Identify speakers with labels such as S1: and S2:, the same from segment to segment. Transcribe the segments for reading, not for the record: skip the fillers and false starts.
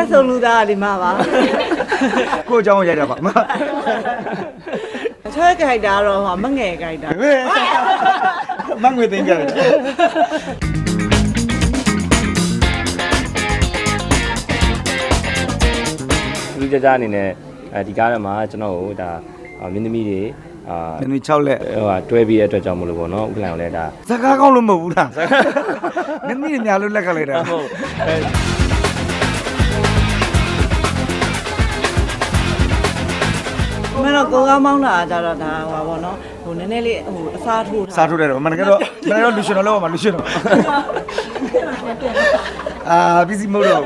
S1: တဲ့ဆုံးလူသားဒီမှာပါ
S2: ကိုအကြောင်းရိုက်တာပါ
S1: ချွဲကြိုက်တာတော့ဟောမငယ်ကြိုက်တာ
S2: မငွေသိမ်းကြတယ်
S3: လူကြကြအနေနဲ့ဒီကားထဲမှာကျွန်တော်တို့ဒါမင်းသမီးတွေ
S2: မင်းသမီး6လက်
S3: ဟိုတွဲပြီးတဲ့အတွက်ကြောင့်မလို့ပေါ့နော်ဥက္ကဋ္ဌကလည်းဒါ
S2: စကားကောင်းလို့မဟုတ်ဘူးလားမင်းသမီးတွေညာလို့လက်ကလိုက်တာ
S3: ဟုတ်
S1: မင်းတော့ကိုကောင်းမောင်းတာကြတော့ဒါဟိုပါဘောနော်ဟိုနည်းနည်းလေးဟိုအစားထိုး
S2: စားထိုးတယ်တော့မနကတော့လူရှင်တော်လောက်ပါလူရှင်တော်busy mode တော့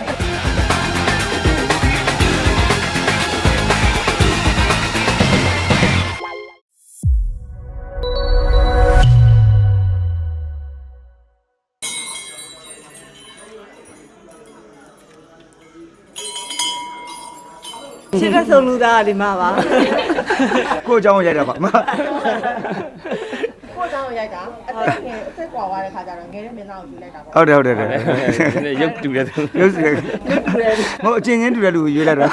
S1: ချစ်တဲ့ဆုံးလူသားဒီမှာပါ
S2: ကိုအကြောင်းရိုက်တာပါ
S4: ကိုเจ้าရိုက်တာအသက်ကွာသွားတဲ့ခါကျတော့ငယ်တဲ့မင်းသားကိုယူလိုက်တာပေါ့
S2: ဟုတ်တယ်
S3: ရုပ်တူတယ်
S2: ရုပ်တူတယ်မဟုတ်အချင်းချင်းတူတယ်လူကိုရွေးလိုက်တာ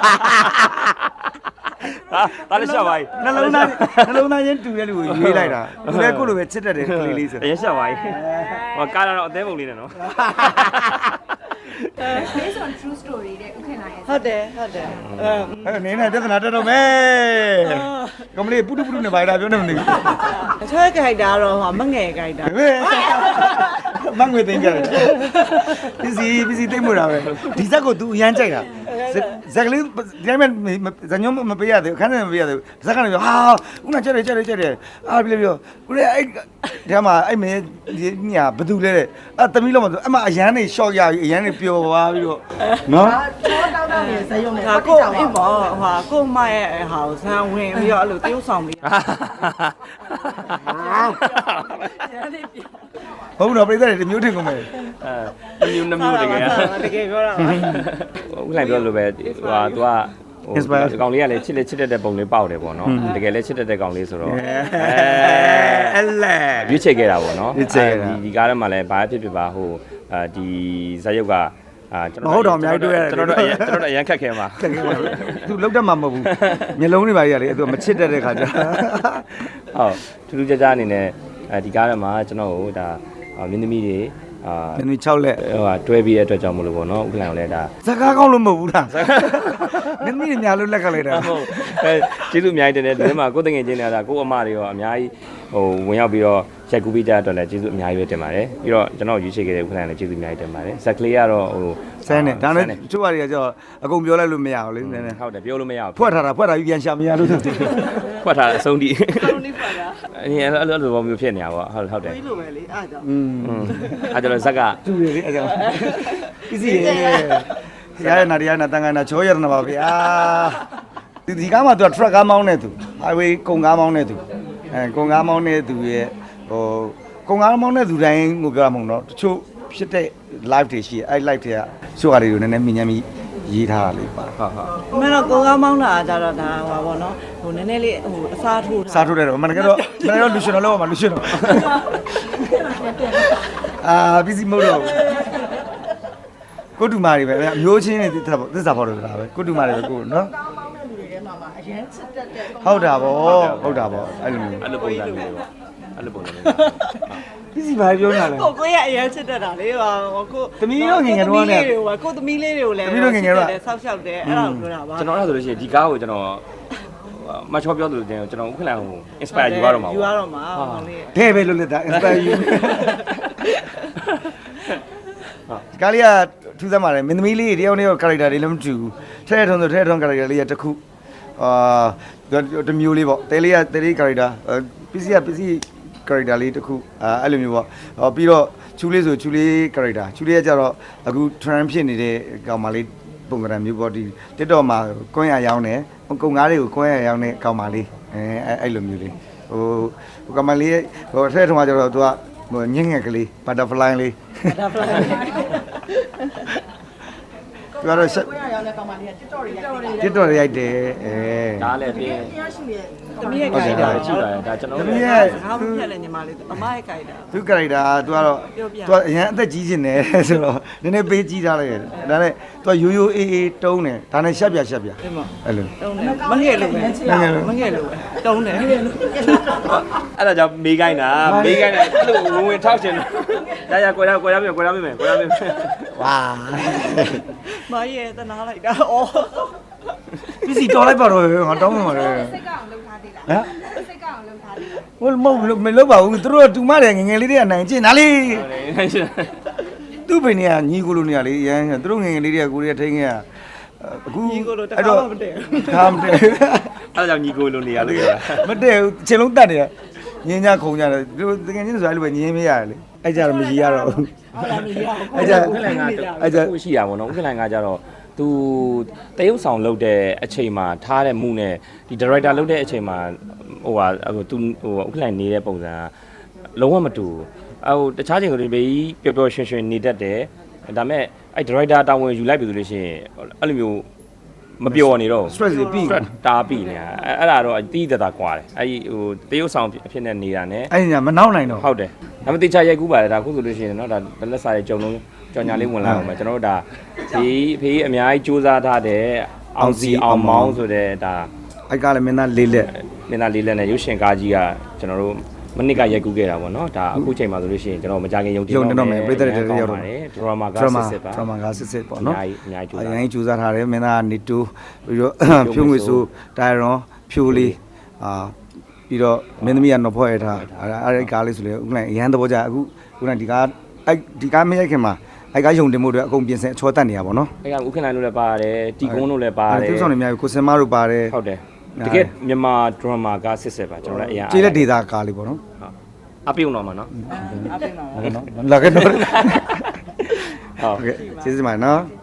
S3: ဒါလည်းရှာပါ යි
S2: နှလုံးသားချင်းတူတဲ့လူကိုရွေးလိုက်တာသူလည်းကိုလိုပဲချစ်တတ်တယ်ကလေးလေးဆို
S3: ရရှာပါ යි ဟောကားတော့အသေးပုံလေးနဲ့နော်
S4: based on true story တဲ့ဥခင်လာရဲ့
S1: ဟုတ်တယ်
S2: နင်းနဲ့ပြဿနာတက်တော့မယ်ကမလေးပုတုနဲ့ပါရတာပြောနေမနေဘူး
S1: ချွဲကြိုက်တာတော့ဟောမငယ်ကြိုက်တာ
S2: မငွေသိမ်းကြတယ်busy သိမ်းမှုတာပဲဒီဇက်ကို तू အရန်ကြိုက်တာဇက်ကလေးဒီတိုင်းမဲ့ဇညုံမပေးရသေးဘူးခန်းထဲမပေးရသေးဘူးဇက်ကလည်းပြောဟာဦးနာကြက်တယ်အားပြီးပြောကိုရဲအဲ့ဒီမှာအဲ့မင်းညာဘသူလဲတဲ့အဲ့သမီးလုံးမဆိုအဲ့မှာအရန်နေရှော့ရပြီးအရန်နေပျော်သွားပြီးတော့နော်
S4: တောင်းနေဇယုံနဲ့
S1: ဟာကိုအိမ်မောဟာကိုမရဲ့ဟာကိုဇန်ဝင်ပြီးတော့အဲ့လိုတရုပ်ဆောင်ပြီး
S2: ဟုတ်တော့ပြိတ္တတွေဒီမျိုးထင်ကုန်မယ်
S3: မျိုးနှမျိုးတကယ်
S1: တကယ်ပြောတာ
S3: ဥက္ကဋ္ဌပြောလို့ပဲဟိုဟာ तू ကကောင်လေးကလည်းချစ်တဲ့ပုံလေးပေါက်တယ်ပေါ့နော်တကယ်လည်းချစ်တဲ့ကောင်လေးဆိုတော့
S2: အဲ့လဲ
S3: ရွေးချယ်ခဲ့တာပေါ့နော်ဒီကားထဲမှာလည်းဘာဖြစ်ပါဟိုဒီဇာတ်ရုပ်က
S2: ကျွန်တော်တော့အများကြီးတွေ့ရတယ်
S3: ကျွန်တော်တို့အရန်ခက်ခဲမှာ
S2: သူလောက်တတ်မှာမဟုတ်ဘူးမျက်လုံးတွေပါကြီးကလေသူမချစ်တတ်တဲ့ခါကျ
S3: ဟုတ်ထူးထူးခြားခြားအနေနဲ့ဒီကားထဲမှာကျွန်တော်တို့ဒါမင်းသမီးတွေ
S2: မင်းသမီး6လက်
S3: ဟိုတွဲပြီးတဲ့အတွက်ကြောင့်မလို့ပေါ့နော်ဥက္ကဋ္ဌကလည်းဒါ
S2: စကားကောင်းလို့မဟုတ်ဘူးလားမင်းသမီးတွေညာလို့လက်ကလိုက်တာ
S3: ဟုတ်ကျေးဇူးအများကြီးတင်တယ်ဒီမှာကိုယ်တငယ်ချင်းတွေကကိုအမတွေရောအများကြီးဟိုဝင်ရောက်ပြီးတော့ရိုက်ကူးပေးကြတဲ့အတွက်လည်းကျေးဇူးအများကြီးပဲတင်ပါတယ်ပြီးတော့ကျွန်တော်ရွေးချယ်ခဲ့တဲ့ဥက္ကဋ္ဌလည်းကျေးဇူးအများကြီးတင်ပါတယ်ဇက်ကလေးကတော့ဟို
S2: ဆန်းနဲ့ဒါနဲ့ချို့ဟာတွေကကျတော့အကုန်ပြောလိုက်လို့မရဘူးလေနည်းနည်း
S3: ဟုတ်တယ်ပြောလို့မရဘူး
S2: ဖွက်ထားပြီးပြန်ရှာမရလို့
S3: ဖွက်ထားအဆုံးထိ
S1: ဆုံးထိဖွက်တာ
S3: အဲ့လိုပုံမျိုးဖြစ်နေတာပေါ့ဟုတ်တယ်
S1: ပြီးလို့ပဲလေအားကြောင့်
S3: အဲ့တော့ဇက်က
S2: တူတယ်လေအဲ့ကြောင့်ပြည်စီရရနာတန်ကနာချောရနာပါဗျာဒီကားမှာသူက truck ကားမောင်းနေသူ highway ကုန်ကားမောင်းနေသူကုန်ကားမောင်းနေသူရဲ့ဟိုကုန်ကားမောင်းနေသူတိုင်းကိုပြောမှာမဟုတ်တော့တချို့ဖြစ်တဲ့ live တွေရှိအဲ့ live တွေကချို့ဟာတွေကိုနည်းနည်းမြင်မြင်ရေးထားတာလေးပါ
S1: ဟုတ်မင်းတော့ကိုကောင်းမောင်းတာကြတော့ဒါဟိုပါဘောနော်ဟိုနည်းနည်းလေးဟိုအစားထိုး
S2: တယ်တော့မနကတော့လူရှင်တော်လောက်ပါလူရှင်တော်busy mode တော့ကိုတူမာတွေပဲအမျိုးချင်းတွေသစ္စာဖော်လို့တာပဲကိုတူမာတွေပဲကိုနော်
S4: အရန်ချစ်တတ်တဲ့
S2: ဟုတ်တာဗောအဲ့လိုမျိုး
S3: အဲ့လိုပုံစံမျိုးပေါ့အဲ့လိုပုံစံမျိုး
S2: ပြည်စီဘာပြောနေလဲ
S1: ကိုရအရန်ချစ်တတ်တာလေဟိုကို
S2: သမီးတို့ငငယ်တော့နဲ့
S1: ကိုသမီးလေးတွေကိုလည်း
S2: သမီးတို့ငငယ်တော့
S1: ဆောက်ရှောက်တယ်အဲ့ဒါကိုပြောတာပါ
S3: ကျွန်တော်အဲ့ဒါဆိုလို့ရှိရင်ဒီကားကိုကျွန်တော်မချောပြောသလိုတင်ကျွန်တော်ဥက္ကဋ္ဌကို inspire ယူရတော့မှာ
S1: ယူရတော့မှာဟောလေး
S2: တဲ့ပဲလို့လက်တာ inspire ယူကာလီယာထူးဆန်းပါတယ်မင်းသမီးလေးတယောက်နဲ့ character တွေလည်းမတူဘူးထဲထုံ character လေးရတစ်ခုတမျိုးလေးပေါ့တဲလေး character ပစ္စည်း character လေးတစ်ခုအဲ့လိုမျိုးပေါ့ပြီးတော့ချူလေးဆိုချူလေး character ချူလေးကကြတော့အခု trend ဖြစ်နေတဲ့ကောင်မလေးပုံစံမျိုးပေါ့ဒီ TikTok မှာကွန်းရရောင်းတယ်ကုန်ကားတွေကိုကွန်းရရောင်းတဲ့ကောင်မလေးအဲ့လိုမျိုးလေးဟိုကောင်မလေးဟိုထဲထုံကကြတော့သူကဟိုညင်ငယ်ကလေး butterfly လေး
S1: butterfly
S2: သူကတော့ဆက်
S4: ကိုရရောက်တဲ့ကောင်မလေးက TikTok တွေရိုက်တယ်
S2: TikTok ရိုက်တယ်အဲ
S3: ဒါလည်းပြင်
S4: တရားရှိရဲ့
S1: တမီးရဲ့ခိုင်တာ
S3: ရှိပါတယ်ဒါကျွန်တော်
S2: သမီး
S3: တို့
S2: ရဲ့
S1: ငါမဖြတ်လဲညီမလေးအမရဲ့ခိုင်တာ
S2: သူ character သူကတော့သူအရင်အသက်ကြီးနေတယ်ဆိုတော့နည်းနည်းပေးကြီးထားလိုက်ရတယ်ဒါနဲ့သူကရိုးရိုးအေးအေးတုံးတယ်ဒါနဲ့ရှက်ပြရှက်ပြ
S1: ဒီမှာ
S2: အဲ့လို
S1: တုံးတယ်မငယ်လို့ပဲမငယ်လို့ပဲတုံးတယ်
S3: အဲ့ဒါကြောင့်မေးခိုင်းတာမေးခိုင်းတာအဲ့လိုဝင်ထောက်ရှင်တာရကွယ်ရမယ်
S2: ဝါ
S1: မရဲ့တနာလိုက်တာဩ
S2: ပစ္စည်းတော်လိုက်ပါတော့ငါတောင်းမှမှာလေ
S4: စိတ်ကအောင်လုပ်ထားသေးလား
S2: ဟမ်
S4: စိတ်ကအောင်လုပ်ထားသေးလား
S2: ဟိုမဟုတ်မလုပ်ပါဘူးသူတို့ကတူမတယ်ငငယ်လေးတွေကနိုင်ကျင်ဒါလေးသူ့ဘိနေကညီကိုလိုနေရလေရမ်းသူတို့ငငယ်လေးတွေကကိုရီးယားထိန်းခဲ့ရအခု
S1: ညီကိုလိုတခါမှမတည့်
S2: ခါမတည့်
S3: အဲ့ဒါကြောင့်ညီကိုလိုနေရလို့
S2: မတည့်ဘူးခြေလုံးတတ်နေရညင်းကြခုံကြတယ်သူတို့ငငယ်ချင်းဆိုအဲ့လိုပဲညင်းမရတယ်လေအဲ့ကြတော့မကြီးရတော့ဘူး
S1: ဟုတ်လားမရအောင်
S2: အဲ့ကြ
S3: ဥက္ကလန်ကအဲ့ရှိရပါတော့ဥက္ကလန်ကကြတော့သူတရုပ်ဆောင်လုပ်တဲ့အချိန်မှာထားတဲ့မှုနဲ့ဒီဒါရိုက်တာလုပ်တဲ့အချိန်မှာဟိုဟာသူဟိုဥက္ကလန်နေတဲ့ပုံစံကလုံးဝမတူဘူးတခြားချိန်ကလေးပဲပျော်ပျော်ရွှင်ရွှင်နေတတ်တယ်ဒါပေမဲ့အဲ့ဒါရိုက်တာတာဝန်ယူလိုက်ပြီဆိုလို့ရှိရင်အဲ့လိုမျိုးမပျော်နေတော့
S2: stress တွေပြီး
S3: တားပြီနေတာအဲ့ဒါတော့အတီးတတာကွာတယ်အဲ့ဒီဟိုတရုပ်ဆောင်အဖြစ်နဲ့နေတာ ਨੇ
S2: အဲ့ညာမနောက်နိုင်တော့
S3: ဟုတ်တယ်ဒါပေမဲ့တေချာရိုက်ကူးပါတယ်ဒါခုဆိုလို့ရှိရင်เนาะဒါလက်စာရဲ့ကြုံလုံးကြော်ညာလေးဝင်လာအောင်ပဲကျွန်တော်တို့ဒါဒီဖေးအများကြီးစူးစမ်းထားတဲ့အောင်စီအောင်မောင်းဆိုတဲ့ဒါ
S2: အဲ့ကလည်းမင်းသားလေးလက်
S3: မင်းသားလေးလက်နဲ့ရုပ်ရှင်ကားကြီးကကျွန်တော်တို့မနစ်ကရိုက်ကူးခဲ့တာပေါ့เนาะဒါအခုချိန်မှာဆိုလို့ရှိရင်ကျွန်တော်မကြခင်ယုံကြည်တော့မယ်ပြည်သက်တွေရောက်တော့တယ်ဒရာမာကစစ်ပါ
S2: drama ကစစ်ပေါ့နော်
S3: အများကြီး
S2: အရင်ကြိုးစားထားတယ်မင်းသားကနေတူပြီးတော့ဖြိုးငွေဆိုတိုင်ရွန်ဖြိုးလေးပြီးတော့မင်းသမီးကနော်ဖော့ရထားအဲ့ကားလေးဆိုလေဥက္ကဋ္ဌအရန်သဘောကျအခုခုနဒီကားအဲ့ဒီကားမရိုက်ခင်မှာအဲ့ကားယုံတင်မှုတွေအကုန်ပြင်ဆင်အချောတက်နေရပါတော့နော်
S3: အဲ့ကဥက္ကဋ္ဌတို့လည်းပါတယ်တီကုန်းတို့လည်းပါတယ်
S2: သူဆောင်နေအများကြီးကိုစင်မတို့ပါတယ်
S3: ဟုတ်တယ်တကယ်မြန်မာဒရာမာကစစ်ပါကျွန်တော်လည်းအရင်
S2: ကျေးလက်ဒေတာကားလေးပေါ့နော်
S3: အပြုံတော့မှာနော်
S1: အပင်းပါ
S2: နော်လာခဲ့တော့
S3: ဟုတ်
S2: โอเคကျေးဇူးပါနော်